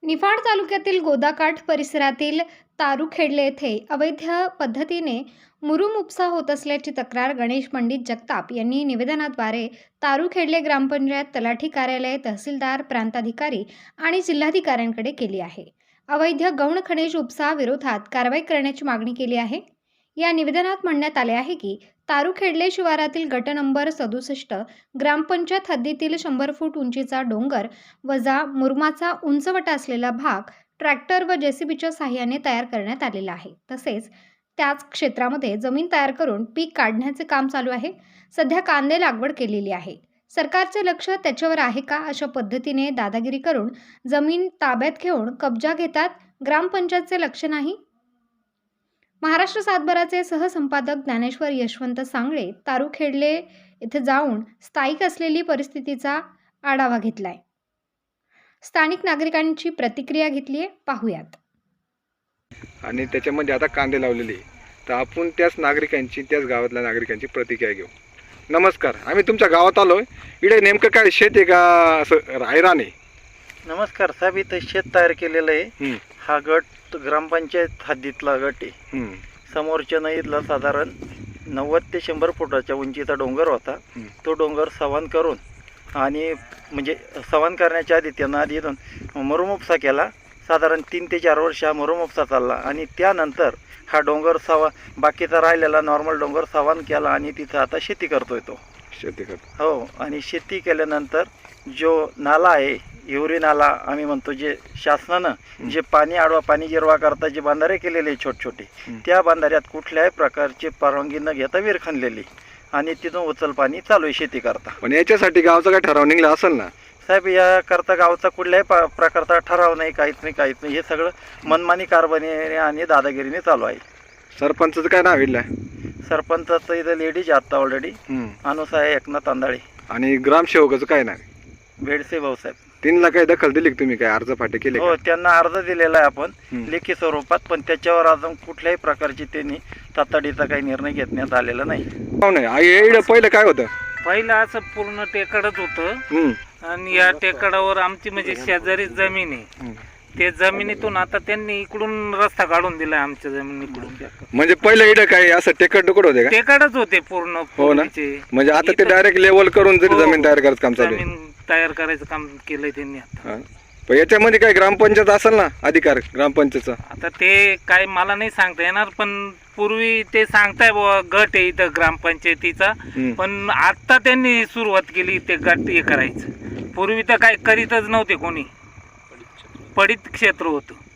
निफाड तालुक्यातील गोदाकाठ परिसरातील तारुखेडले येथे अवैध पद्धतीने मुरुम उपसा होत असल्याची तक्रार गणेश पंडित जगताप यांनी निवेदनाद्वारे तारुखेडले ग्रामपंचायत तलाठी कार्यालय, तहसीलदार, प्रांताधिकारी आणि जिल्हाधिकाऱ्यांकडे केली आहे. अवैध गौण खनिज उपसा विरोधात कारवाई करण्याची मागणी केली आहे. या निवेदनात म्हणण्यात आले आहे की तारुखेडले शिवारातील गट नंबर 67 ग्रामपंचायत हद्दीतील 100 फूट उंचीचा डोंगर वजा मुरुमाचा उंचवटा असलेला भाग ट्रॅक्टर व जेसीबीच्या साहाय्याने तयार करण्यात आलेला आहे. तसेच त्याच क्षेत्रामध्ये जमीन तयार करून पीक काढण्याचे काम चालू आहे. सध्या कांदे लागवड केलेली आहे. सरकारचे लक्ष त्याच्यावर आहे का अशा पद्धतीने दादागिरी करून जमीन ताब्यात घेऊन कब्जा घेतात. ग्रामपंचायतचे लक्ष नाही. महाराष्ट्र सातबाराचे सहसंपादक ज्ञानेश्वर यशवंत सांगळे तारुखेडले येथे जाऊन स्थायिक असलेली परिस्थितीचा आढावा घेतलाय. स्थानिक नागरिकांची प्रतिक्रिया घेतली आहे, पाहूयात. आणि त्याच्यामध्ये आता कांदे लावलेले, तर आपण त्याच नागरिकांची, त्याच गावातल्या नागरिकांची प्रतिक्रिया घेऊ. नमस्कार, आम्ही तुमच्या गावात आलोय. इकडे नेमकं काय शेत आहे का असं रायरान आहे? नमस्कार साहेब, इथं शेत तयार केलेलं आहे. हा गट ग्रामपंचायत हद्दीतला गट आहे. समोरच्या नदीतला साधारण 90 ते 100 फुटाच्या उंचीचा डोंगर होता. तो डोंगर सवान करून आणि म्हणजे सवान करण्याच्या आधी त्यांना आधी मुरुम उपसा केला. साधारण 3 ते 4 वर्ष हा मुरुम उपसा चालला आणि त्यानंतर हा डोंगर बाकीचा राहिलेला नॉर्मल डोंगर सवान केला आणि तिथं आता शेती करतोय तो. शेती करतो हो, आणि शेती केल्यानंतर जो नाला आहे, हिवरी नाला आम्ही म्हणतो, जे शासनानं जे पाणी आडवा पाणी जिरवा करता जे बांधारे केलेले छोटे, त्या बांधाऱ्यात कुठल्याही प्रकारची परवानगी न घेता विहीर खणलेली आणि तिथून उचल पाणी चालू आहे शेती करता. पण याच्यासाठी गावचा काय ठराव निघला असेल ना साहेब? याकरता गावचा कुठल्याही प्रकारचा ठराव नाही, काहीच नाही. हे सगळं मनमानी कारभारी आणि दादागिरीने चालू आहे. सरपंचाचं काय नाव इथलं? सरपंचाचं इथं लेडीज आता ऑलरेडी अनुसाय एकनाथ तांदाळे. आणि ग्रामसेवकाचं काय नाव? भेडसे भाऊसाहेब. तीनला काही दखल दिली का तुम्ही? काय अर्ज फाटे केले? हो, त्यांना अर्ज दिलेला आहे आपण लेखी स्वरूपात, पण त्याच्यावर अजून कुठल्याही प्रकारची त्यांनी तातडीचा काही निर्णय घेण्यात आलेला नाही. पहिलं काय होतं? पहिलं असं पूर्ण टेकडच होतं आणि या टेकडावर आमची म्हणजे शेजारी जमीन आहे. ते जमिनीतून आता त्यांनी इकडून रस्ता काढून दिलाय आमच्या जमिनीकडून. म्हणजे पहिलं इकडे काय असं टेकड होते का? टेकडच होते पूर्ण. हो ना. म्हणजे आता ते डायरेक्ट लेवल करून जरी जमीन तयार करत काम चालू आहे. जमीन तयार करायचं काम केलंय त्यांनी आता. पण याच्यामध्ये काय ग्रामपंचायत असेल ना अधिकार ग्रामपंचायतचा? आता ते काय मला नाही सांगता येणार, पण पूर्वी ते सांगताय गट आहे इथं ग्रामपंचायतीचा, पण आता त्यांनी सुरुवात केली ते गट हे करायचं. पूर्वी तर काय करीतच नव्हते कोणी, पडीत क्षेत्र होतं.